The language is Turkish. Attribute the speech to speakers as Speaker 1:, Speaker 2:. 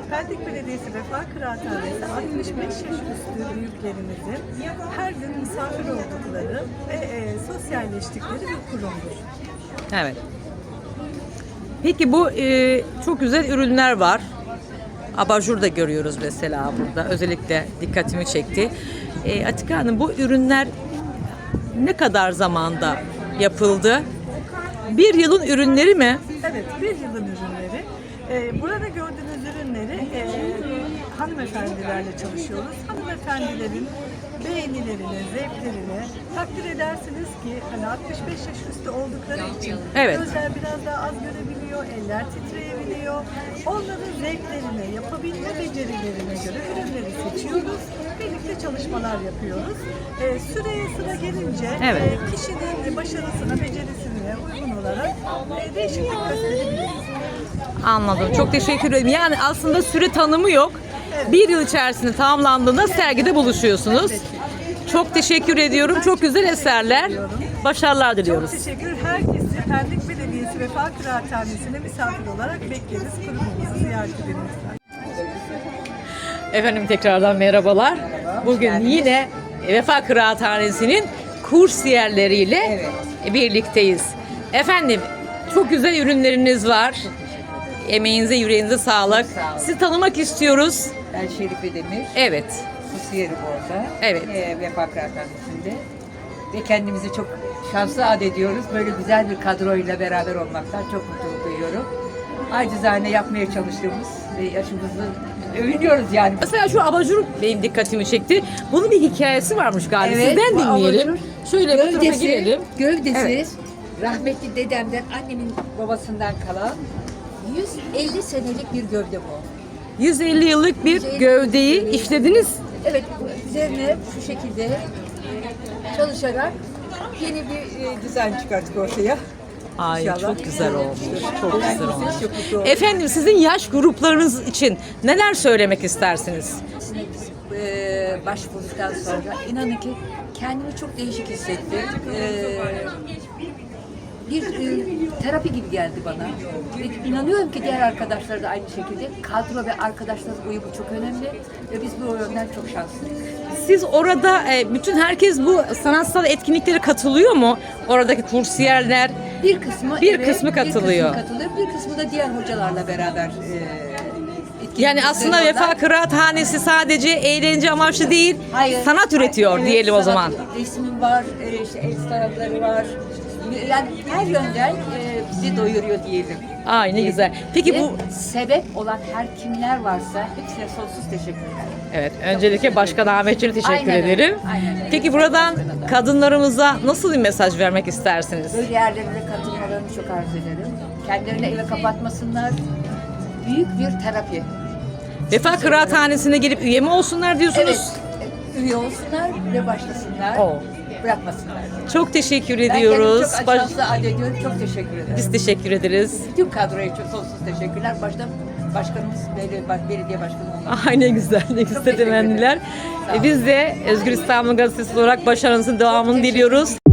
Speaker 1: Pendik Belediyesi Vefa Kıraathanesi 65 yaş üstü büyüklerimizin her gün misafir oldukları ve sosyalleştikleri bir kurumdur.
Speaker 2: Evet. Peki bu çok güzel ürünler var. Abajur da görüyoruz mesela burada. Özellikle dikkatimi çekti. Atika Hanım, bu ürünler ne kadar zamanda yapıldı? Bir yılın ürünleri mi?
Speaker 1: Evet, bir yılın ürünleri. Burada gördüğünüz ürünleri hanımefendilerle çalışıyoruz. Hanımefendilerin beğenilerine, zevklerine takdir edersiniz ki hani 65 yaş üstü oldukları için
Speaker 2: Evet.
Speaker 1: gözler biraz daha az görebiliyor, eller titreyebiliyor. Onların zevklerine, yapabilme becerilerine göre ürünleri seçiyoruz. Birlikte çalışmalar yapıyoruz. Süreye sıra gelince
Speaker 2: Evet.
Speaker 1: kişinin başarısına, becerisine uygun olarak değişiklik gösterebiliriz.
Speaker 2: Anladım. Çok teşekkür ederim. Yani aslında süre tanımı yok. Bir yıl içerisinde tamamlandığında sergide buluşuyorsunuz. Çok teşekkür ediyorum. Çok güzel eserler. Başarılar diliyoruz.
Speaker 1: Çok teşekkür. Herkesi Pendik Belediyesi Vefa Kıraathanesi'ne misafir olarak bekleriz. Kurumumuzu ziyaret edin lütfen.
Speaker 2: Efendim tekrardan merhabalar. Bugün yine Vefa Kıraathanesi'nin kursiyerleriyle birlikteyiz. Efendim çok güzel ürünleriniz var. Emeğinize, yüreğinize sağlık. Sizi tanımak istiyoruz.
Speaker 3: Ben Şerife Demir.
Speaker 2: Evet.
Speaker 3: Kusiyerim orada.
Speaker 2: Evet.
Speaker 3: Vefa Kıraathanesi'nde. Ve kendimizi çok şanslı ediyoruz. Böyle güzel bir kadroyla beraber olmaktan çok mutluluk duyuyorum. Acizane yapmaya çalıştığımız ve yaşımızı övünüyoruz yani.
Speaker 2: Mesela şu abajur benim dikkatimi çekti. Bunun bir hikayesi varmış galiba. Sizden
Speaker 3: bu
Speaker 2: dinleyelim.
Speaker 3: abajur
Speaker 2: Şöyle bir tarafa girelim.
Speaker 3: Gövdesi
Speaker 2: Evet.
Speaker 3: rahmetli dedemden, annemin babasından kalan 150 senelik bir gövde bu.
Speaker 2: 150 yıllık bir
Speaker 3: 150
Speaker 2: gövdeyi
Speaker 3: yıllık.
Speaker 2: işlediniz.
Speaker 3: Evet, üzerine şu şekilde çalışarak yeni bir dizayn çıkarttık ortaya.
Speaker 2: Ay
Speaker 3: İnşallah.
Speaker 2: çok güzel olmuş. Çok güzel olmuş.
Speaker 3: Çok mutlu oldum.
Speaker 2: Efendim sizin yaş gruplarınız için neler söylemek istersiniz?
Speaker 3: Biz başvurduktan sonra inanın ki kendimi çok değişik hissettim. Bir terapi gibi geldi bana. Ve inanıyorum ki diğer arkadaşlar da aynı şekilde. Kadro ve arkadaşlar uyumu çok önemli ve biz bu yönden çok şanslıyız.
Speaker 2: Siz orada bütün herkes bu sanatsal etkinliklere katılıyor mu? Oradaki kursiyerler.
Speaker 3: Bir kısmı
Speaker 2: Bir kısmı katılıyor.
Speaker 3: Bir kısmı katılıyor. Bir kısmı da diğer hocalarla beraber etkinlik
Speaker 2: Yani aslında
Speaker 3: yapıyorlar.
Speaker 2: Vefa Kıraathanesi sadece eğlence amaçlı değil,
Speaker 3: Hayır.
Speaker 2: sanat üretiyor
Speaker 3: Evet,
Speaker 2: diyelim o
Speaker 3: sanat,
Speaker 2: zaman.
Speaker 3: Resmim var, işte el sanatları var. Yani her yönden bizi doyuruyor diyelim.
Speaker 2: Ay ne güzel. Peki
Speaker 3: Ve
Speaker 2: bu
Speaker 3: sebep olan her kimler varsa hepsine sonsuz teşekkürler.
Speaker 2: evet, öncelikle Başkan Ahmetciğime teşekkür
Speaker 3: Aynen öyle,
Speaker 2: ederim.
Speaker 3: aynen öyle.
Speaker 2: Peki buradan kadınlarımıza nasıl bir mesaj vermek istersiniz?
Speaker 3: Böyle yerlerine katılmalarını çok arzu ederim. Kendilerini eve kapatmasınlar. Büyük bir terapi.
Speaker 2: Vefa Kıraathanesi'ne gelip üye mi olsunlar diyorsunuz?
Speaker 3: Evet, üye olsunlar ve başlasınlar.
Speaker 2: Oo.
Speaker 3: Bırakmasınlar.
Speaker 2: Çok teşekkür
Speaker 3: Ben
Speaker 2: ediyoruz.
Speaker 3: kendimi çok şanslı ediyorum. Çok teşekkür ederim.
Speaker 2: Biz teşekkür ederiz.
Speaker 3: Bütün kadroya çok sonsuz teşekkürler. Başkanımız, belediye başkanı olmak.
Speaker 2: Ay ne güzel, ne güzel
Speaker 3: teşekkür
Speaker 2: temenniler.
Speaker 3: ederim. Sağ olun.
Speaker 2: Biz de Özgür İstanbul Gazetesi olarak başarınızın devamını diliyoruz.